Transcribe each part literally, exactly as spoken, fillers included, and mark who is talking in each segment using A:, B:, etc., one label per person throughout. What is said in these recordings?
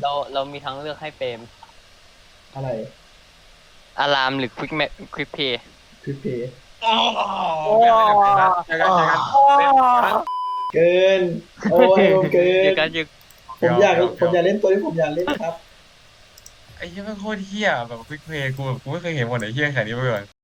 A: เราเรามีทั้งเลือกให้เปรม
B: อะไร
A: อารามหรือควิกแมควิกเพย์
B: คลิปเพย์
C: โอ้เจอกันเจอกัน
B: เกินโอ้ยผมเกิ
A: เจอน กันเจอ
B: ผมอยากผมอยากเล่นตัวที่ผมอยากเล่นครับ
C: ไอ้เหี้ยมันโคตรเหี้ยแบบควิกเพลย์กูแบบกูไม่เคยเห็นหมดไอ้เหี้ยขนาดนี้มาก่อน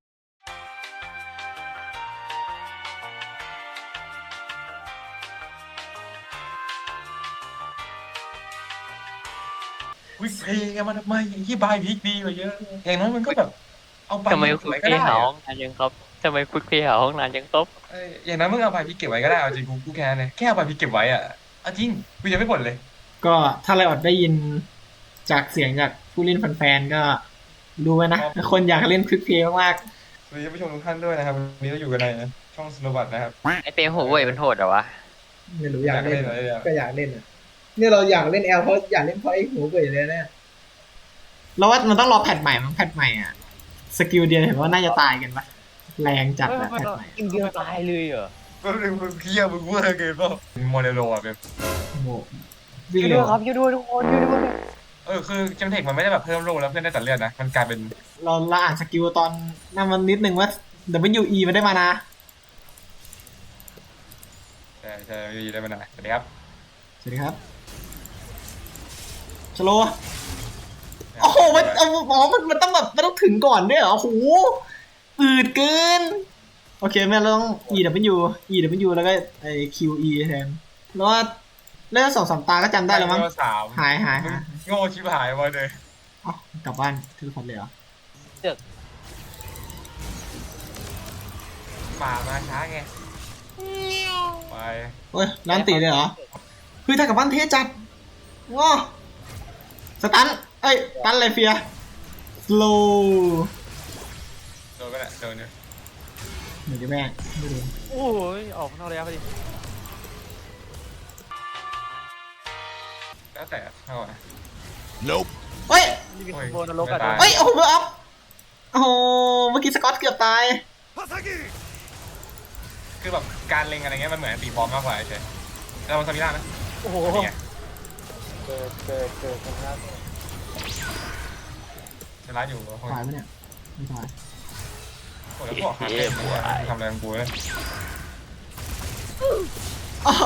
C: ควิกเพลย์มันทำไมไอ้ที่บายพิกดีกว่าเยอะอย่างน้อยมันก็แบบเอาไป
A: ทำไม
C: เก็
A: ค
C: บ
A: วิ
C: ไว้
A: ก
C: ก็
A: เพ
C: ได้
A: ย์หาห้
C: อะ
A: องนานยังครับทำไมควิกเพย์หาห้องนานยังครับ
C: เอ้ยอย่างนั้นมึงเอาไปพิกเก็บไว้ก็ได้เอาจริงกูกูแค่นั้นเลยแค่เอาไปพิกเก็บไว้อะเอาจริงกูยังไม่บ่นเลย
B: ก็ถ้าไรออดได้ยินจากเสียงจากผู้เล่นแฟนๆก็รู้ไว้นะคนอยากเล่นคลิปเพย์มาก
C: สวัสดีผู้ชมทุกท่านด้วยนะครับวันนี้เราอยู่กันในช่องสโนว์บัตนะครับ
A: ไอเปรมหัวเว่ยมันโหดเหรอวะ
B: ๆไม่รู้อยากเล่น
C: อยากเล่นเหรอ
B: ก็อยากเล่นอ่ะเนี่ยเราอยากเล่นแอลเพราะอยากเล่นเพราะไอ้หัวเว่ยเลยเนี่ยเราว่ามันต้องรอแพทใหม่มั้งแพทใหม่อ่ะสกิลเดียวเห็นว่าน่าจะตายกันปะแรงจัดอะแพทใหม่
A: กินเดียวตายเลยเหรอ
C: ก็เลยมึงเคี้ยวมึงเวอร์เกินเปล่าโมเดโลอ่ะเป็น
B: โอ้โหวิ่ง
A: ช่วย
B: เร็
A: ด้วย
B: ว
A: ครับช่วยด้วยทุกคนช่วยด้วย
C: เออคือเจมเทคมันไม่ได้แบบเพิ่มโลแล้วเพื่อนได้ตัดเลือดนะมันกลายเป็น
B: เราเราอ่านสกิลตอนนั่นมันนิดนึงว่า ดับเบิลยู อี มันได้มานะ
C: ใช่ใช่ได้มานานสวัสดีครับ
B: สวัสดีครับชโลโอ้โหมันเอาอ๋อมันมันต้องแบบมันต้องถึงก่อนด้วยเหรอโอ้โหอืดเกินโอเคแม่เราต้อง E W E W แล้วก็ไอ้ Q E แทนแล้วว่าเล่นสองสามตาก็จำได้แล้วมั้ง
C: สาม
B: หายหาย
C: มึง
B: หาย
C: โง่ชิบหายมาเลย
B: เอ้ากลับบ้านทีละคนเลยเหรอ
C: ป่ามาช้าไงไป
B: เฮ้ยร้านตีเลยเหรอเฮ้ยถ้ากลับบ้านเทจัดว้าสตันเอ้ยตันอะไรเฟียสโล
C: โดนก็แหละโดนเนี่ย
B: เหมือนจะแม่ไม่รู้
A: โอ้ยออกนอกระยะพอดี
C: แล้วแต่เท่าไหร่
B: เฮ้ย
A: นี่เป็นโบนรกอะ
B: เฮ้ยโอ้โหเบอร์อัพโอ้โหเมื่อกี้สกอตเกือบตาย
C: คือแบบการเล็งอะไรเงี้ยมันเหมือนตีบอลมากกว่าเฉยเราลองซามิล่านะ
A: โอ้โห
C: นี่ไง
A: เกิดเกิดเกิดกันแล้ว
C: จะร้ายอยู่
B: ตายไหมเนี่ยไม่ตาย
C: โอ้แล้วพวกหาเต็มทำอะไรของกูเลย
B: โอ้โห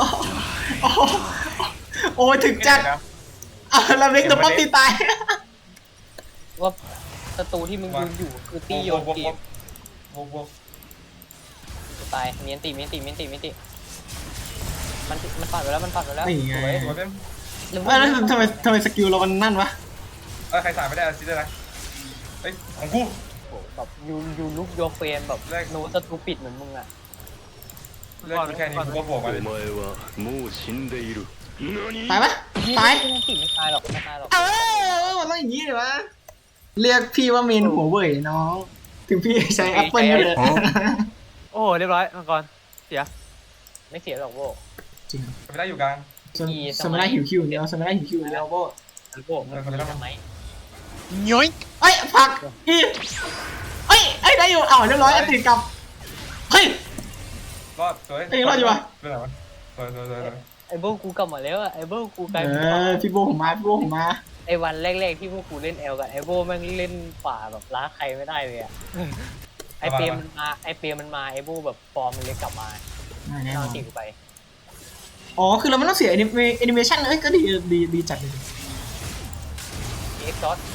B: โอ้ยถึงจัดอ่ะแล้วเล็กตัวป้อมตีตาย
A: ว่าศัตรูที่มึงยืนอยู่คือตีโยนเกม
C: วกวก
A: ตายเมียนตีเมียนตีเมียนตีเมียนตีมันมันปัดไปแล้วมันปัดไปแล้ว
B: นี่ไง
C: สวยสวยเป็น
A: หรือ
B: เอ้ยแล้วทำไมทำไมสกิลเรามันนั่นวะ
C: เออใครสายไม่ได้ซิได้นะเฮ้ยของกู
A: แบบยูยูลุกโยเฟนแบบโนสตูปิดเหมือนมึงอะ
C: เล่นแค่นี้กูก็บวกมัน
D: お前はもう死んでいる何
B: ตายปะตาย
A: ไม่ตีไม่ตายหรอกไม่ตายหรอก
B: เออมันต้องอย่างนี้เลยวะเรียกพี่ว่าเมนหัวเว่ยน้องถึงพี่ใช้แอปเปิลก็เลย
E: โอ้เรียบร้อยมังกรเสีย
A: ไม่เสียหรอกโบ
B: จริง
C: ไม่ได้อยู่กลาง
B: สมัยหิวคิวเดียวสมัยหิวคิวเดียวโบ
A: โบมันมีทำไม
E: ย้อย
B: เอ้ยผักอีเอ้ยเอ้ยได้อยู่อ้าวเรียบร้อยอติดกับเฮ้ย
C: รอดสวย
B: เอ้ยรอดอยู่วะ
C: เป็นไรวะสวยสวยสวยสวย
A: ไอ้โบกูกลับมาแล้วอะไอ้โบกูกลาย
B: เอ
A: เป็น
B: อพี่โบผมมาพี่โบผมมา
A: ไอ้วันแรกๆที่พวกกูเล่นแอลกับไอ้โบแม่งเล่นฝ่าแบบล้าใครไม่ได้เลยอะไอ้เปรมมันมาไอ้เปรมมันมาไอ้โบแบบฟอร์มมันเลยกลับมา
B: แน่นอ
A: เอา
B: น
A: ตีกูไป
B: อ๋อคือเราไม่ต้องเสียแอนิเมชันเอ้ยก็ดีดีดีจัดเลย
A: เอ็กซ์ซอส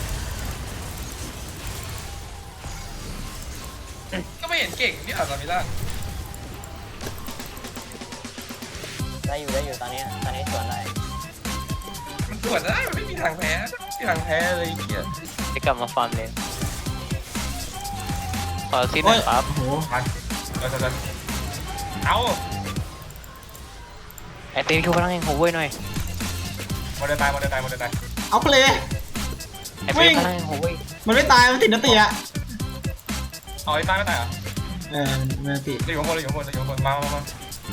C: ก็ไม่เห็นเก่งนี่อ่ะซามิล่า
A: ได้อยู่ได้อยู่ตอนนี้ตอนนี้สวนอะไร
C: มันสวนได้มันไม่มีทางแพ้ไม่มีทางแพ้เลยไอ้เหี้ย
A: จะกลับมาฟาร์มเลนขอซิดหน่อยครับ
B: โอ้โห
C: มันเราจะจะเอา
A: ไอ้เปรมชูพลังแห่งหัวเว่ยหน่อย
C: โมเดลตายโมเดลตายโมเดลตาย
B: เอาเพลย์
A: ไอ้เปรมพลังแห่งหัวเว่ย
B: มันไม่ตายมันติดนติอะ
C: เอาไอ้ตายไม่ตายเหรอ
B: เออมันติด
C: จะอยู่ข้างบนจะอยู่ข้างบนจะอยู่ข้างบนมามามา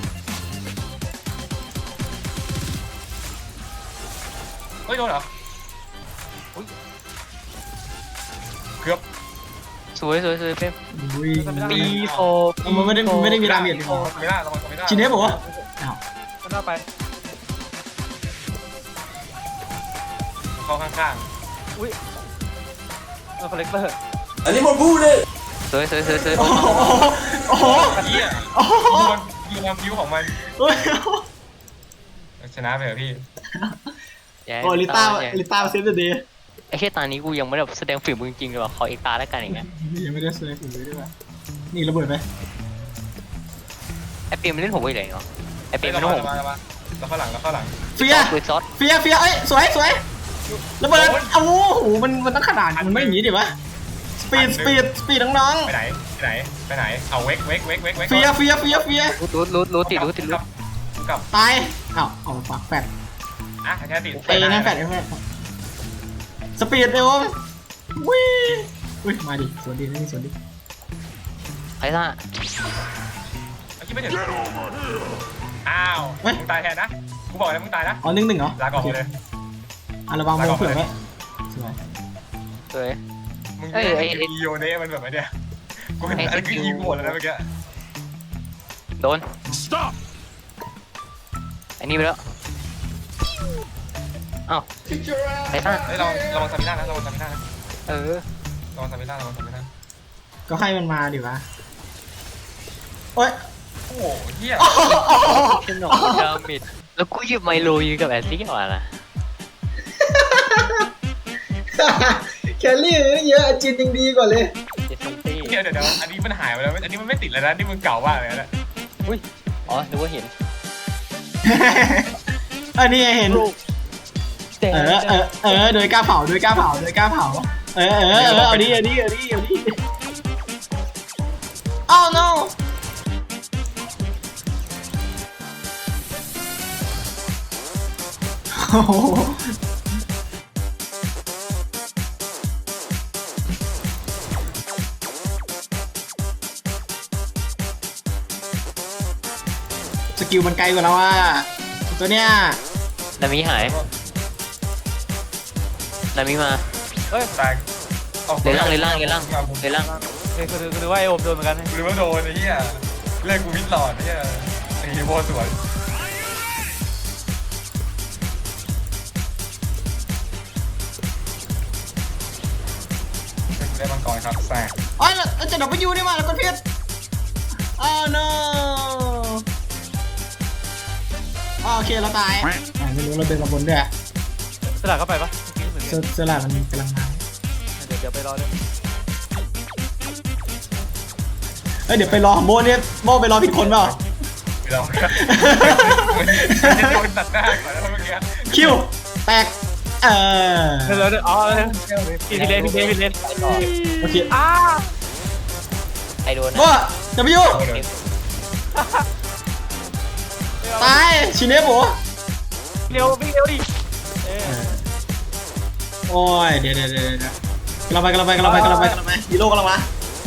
C: เฮ้ยโดนเหรอเกือบ
A: สวยสวยสวยเปรม
B: อุ้ย
A: ปีโฟ
B: มันไม่ได้ไม่ได้มีดาเมจ
C: โอ้ไม่ได้ระวังไม่ได้
B: ชินเนฟบอกว่าอ้าว
E: มันเอาไป
C: เข้าข้าง
E: อุ้ยเออคอลเลกเตอร์
A: สวยสวยสวยสวย
B: โอ้โหโอ้โห
C: ๆเหี้ย
B: โอ้โห
C: ดูมันดูความคิ้วของมัน
B: เฮ้ย
C: ชนะไปเหรอพี่
B: โอ้ลิต้าลิต้าเซฟเดย์
A: ไอ้แค่ตานี้กูยังไม่ได้แสดงฝีมือจริงๆเลยว่ะขออีกตาแล้วกันอย่างเงี้ย
B: ยังไม่ได้เซฟเลยด้วยนี่ระเบิดไหม
A: ไอเปียมันเล่นผมไปไหนเนาะไอเปียมัน
C: เรา
A: เล่นผม
C: มาเรามาเราเข้าหลังเราเข้าหลัง
B: เฟีย
A: ปืนซอส
B: เฟียเฟียเอ้ยสวยสวยระเบิดโอ้โหมันมันต้องขนาดมันไม่อย่างนี้ดิวะสปีดสปีดสปีดน้อง
C: ไปไหนไปไหนไปไหนเอาเวกเวกเวกเวกเวก
B: ๆเฟียเฟียเฟียเฟีย
A: รู้รู้รู้รู้ติดรู้ติดรู้
C: กับ
B: ตายอ้าวเอาปากแฟด
C: อ่ะแค่ติด
B: เอ้ยนั่นแฟดไอ้แฟดสปีดเร็ววิ่งอุ้ยมาดิสวนดีนี่สวนดี
A: ไอ้ซ่า
C: คิดไม่ถึงอ้าวมึงตายแทนนะกูบอกเลยมึงตายนะ
B: อ๋อหนึ่งหนึ่งเหรอ
C: ลาก่อนเลย
B: อ่ะระวังมือเผื่อไว้สวย
A: สวย
C: มึง
A: เอ้ยไอ้ไอ้
C: อีโยเน่มันแบบไอ้เนี่ยกูเห็นอันนี้คือยิงหมดแล้วนะเมื่อกี้
A: โดนไอ้นี่ไปแล้วอ้าวไอ้ซ่า
C: เฮ้ยเราเราวังซาบิน่านะเราวังซาบิน่านะ
A: เออ
C: เราวังซาบิน่าเราวังซาบิน่า
B: ก็ให้มันมาดิวะโอ๊ย
C: โอ้โหเฮีย
A: ขนมดามิดแล้วกูหยิบไมโลยืนกับแอนซี่ก่อนนะ
B: แคลรี่เยอะจินยังดีกว่าเลย
A: เจสันตี้
C: เดี๋ยวเดี๋ยวเดี๋ยวอันนี้มันหายไปแล้วอันนี้มันไม่ติดแล้วนะนี่มึงเก่ามากเลยนะ
A: อุ้ยอ๋อดูว่าเห็น
B: อันนี้เห็น
A: แต่
B: เออเออเออโดยกล้าเผาโดยกล้าเผาโดยกล้าเผาเออเออเออเอาดิเอาดิเอาดิเอาดิอ้าว no โอ้โหสกิลมันไกลกว่าเราอ่ะตัวเนี้ย
A: นามิหายนามิมา
E: เฮ้ย
C: ตาย
A: เลยล่างเลยล่างเลยล่างเลยล่าง
E: เฮ้ยคือคือคือว่าไอโอมโดนเหมือนกัน
C: หรือว่าโดนไอ้เหี้ยเล่นกูมิดหลอดไอ้เหี้ยไอ้โบสวนได้มังกรครับแซง
B: อ๋อเราจะดับไปยูนี่มาแล้วก็เพี้ยนอ้าว no อ๋อโอเคเราตายอ่ะไม่รู้เราเดินมาบนด้วย
E: สลัดเข้าไปปะเหมือน
B: เซ
E: กัน
B: เซอร์ลามันกำลังมา
E: เดี๋ยวเดี๋ยวไปรอเลย
B: เอ้ยเดี๋ยวไปรอโบเนี่ยโบไปรอผิดคนเปล่า
C: ไม่ลองมันจะโดนตัดหน้าก่อนแล้วเมื่อกี้
B: คิวแตกเออ
E: เดี๋ยวเดี๋ยวอ๋อพี่พี่เลนพี่เลนพี่เลน
B: โอเค
E: อ้า
A: ไอโดน
B: โบดับไปยูตายชิเนฟโบ
E: เร็ววิ่งเร็วดิเออ
B: โอ้ยเดี๋ยวเดี๋ยวเดี๋ยวเดี๋ยวกำลังไปกำลังไปกำลังไปกำลังไปกำลังไปฮีโร่กำลังมา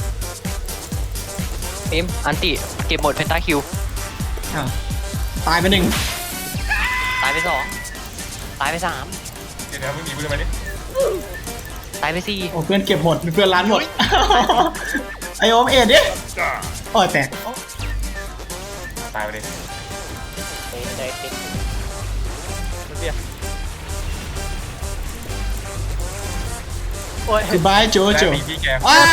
A: เอ็มอันติเก็บหมดเพนตาคิว
B: อ้าวตายไปหนึ่ง
A: ตายไปสองตายไปสาม
C: เดี๋ยวเดี๋ยวมึงหนีกูจะไปดิ
A: ตายไปสี่
B: โอ้เพื่อนเก็บหมดเพื่อนร้านหมดไอโอมเอ็ดดิโอ้ยแตก
C: ตายไปดิ
A: เอ้ยเอ้ยเอ้ย
E: เดี๋ยวโอ้ย
B: goodbye โจโจ
C: และมีพี่แก
B: ว้า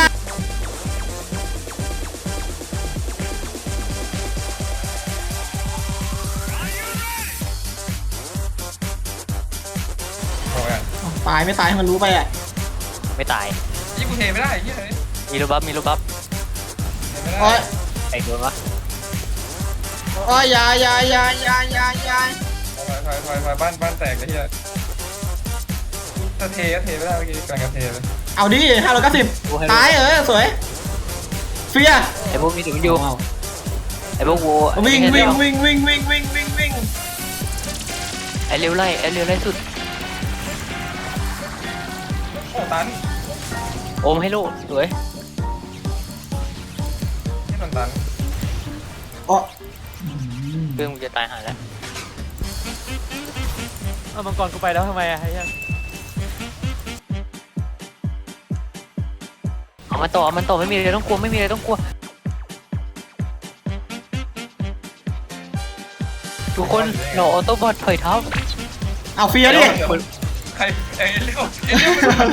C: โอ้ย
B: ตายไม่ตายให้มันรู้ไปอ่ะ
A: ไม่ตาย
C: ยี่กูเทไม่ได้ยี่เลย
A: มีรูบัฟมีรูบัฟ
B: โอ้ย
A: ไอโดนวะ
B: โอ้ยอยาอยาอยาอยาอยาอยา
C: ถอยถอยถอยถอยบ้านบ้านแตกไอ้เหี้ยถ้าเทก็เทไม่ได้เมื่อกี้กำลังจะเทเลย
B: เอาดิห้าร้อยเก้าสิบตายเออสวยเฟีย
A: ไอพวกมีถึงอยู่
B: เอา
A: ไอพวกวัว
B: วิ่งวิ่งวิ่งวิ่งวิ่งวิ่งวิ่งวิ่ง
A: ไอเร็วไล่ไอเร็วไล่สุด
C: โอ้ตัน
A: โอมให้โลดสวย
C: ที่มันตัน
B: อ๋อ
A: เรื่องมึงจะตายหาแล้ว
E: เอามังกรกูไปแล้วทำไมอะไอ้เหี้ย
A: เอามันต่อเอามันต่อไม่มีอะไรต้องกลัวไม่มีอะไรต้องกลัวทุกคนเราออโต้บอทถอยเท้า
B: เอาเฟียดิ
A: เ
C: ใครเอ้ยเรียกว่าเอ้ยเรียกว่า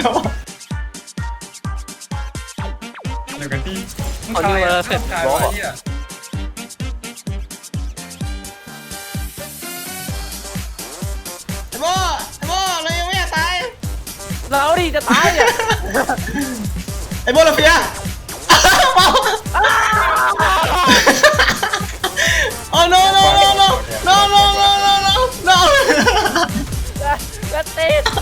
C: เดี๋ยวกันที่มึงใครอะมึงใครวะเนี่ย
B: ไอ้โบไอ้โบเรายังไม่อยากตาย
E: เราดิจะตายอ่ะ
B: ไอ้โบลาเฟียโอ้ no no no no no no no no no no
E: แล้วติด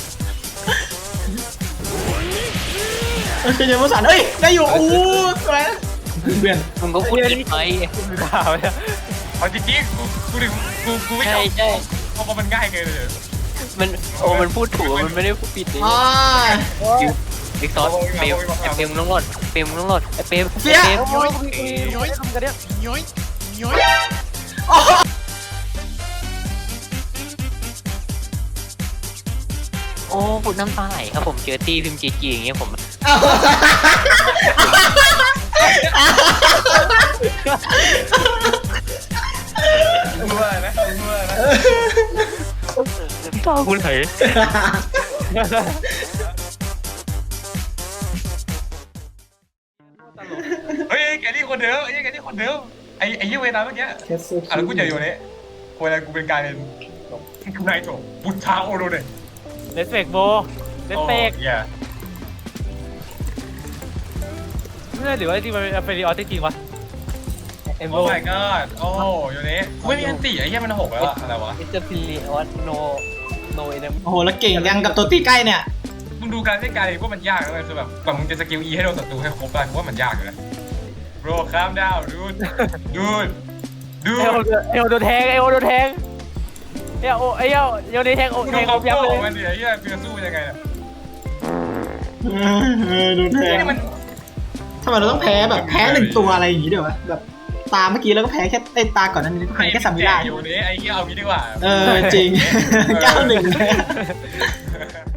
B: โอเคเดี๋ยวมาสั่นเอ้ยได้อยู่อู้สวยเพื่อน
A: มึงก็พูดผิดไป
E: คุณดาวเนี่ย
C: เอาจริงๆกูกูดิกูกูไม่
A: ใช่
C: ชอบ
A: ใช่
C: เพราะมันง่ายเกินเลย
A: มันโอ้มันพูดถูกมันไม่ได้พูดผิดเลย
B: อ่า
A: บิ๊กซอสเปมไอเปมมึงต้องรอดเปมมึงต้องรอดไอเปม
B: เฟีย
A: เปม
E: โอ้ยย้อยทำกันเนี่ย
A: โอ้พูดน้ำตาไหลครับผมเจอตีพิมพ์จีจีอย่างเงี้ยผม
C: กูว่านะกูว่านะ
A: ตาคุณไหล
C: เฮ้ยแกนี่คนเดิมไอ้แกนี่คนเดิมไอ้ไอ้ยี่เวนาเมื่อกี้อ่ะแล้วกูจะอยู่เนี่ยคนอะไรกูเป็นการเป็นนายโถบุตรชาโอโรเดะ
E: เลสเฟกโบเลสเฟก
C: อย่า
E: ไม่ใช่หรือว่าที่มันเป็นเฟรดิออสจริงๆวะ
A: เอ็ม
C: โอ้
A: โบ
C: my god โอ้อยู่นี้ไม่มีอันตีไอ้เหี้ยมันหกแล้วอะอะไรวะ
A: มิสเตอร์พิลีออสโนโนเอ็น
B: โอ้โหแล้วเก่งยังกับตัวตีใกล้เนี่ย
C: มึงดูการเล่นการเองว่ามันยากนะเว้ยคือแบบกว่ามึงจะสกิล E ให้โดนศัตรูให้ครบได้กูว่ามันยากอยู่นะ bro calm down dude dude
E: เอล
C: dude
E: เอลโดนแทงเอลโดนแทงเอลโอเอลโยนแทงโอ
C: กู
E: แท
C: ดู
E: ง
C: คอม
E: ยับ
C: โบ
E: เล
C: ของมัน
E: ย
C: ดิไอ้เหี้ยกูจะสู้ยังไงเนี่ย
B: เออดูแพ้
C: นี่มัน
B: ทำไมเราต้องแพ้แบบแพ้หนึ่งตัวอะไรอย่างงี้เดี๋ยววะแบบตาเมื่อกี้เราก็แพ้แค่ไอ้ตาก่อนนั้นนี่ก็แพ้แค่ซามิ
C: แจ
B: ล่าก
C: อยู่นี้ไอ้เหี้ยเอางี้ดีกว่า
B: เออจริงเก้าหนึ่ง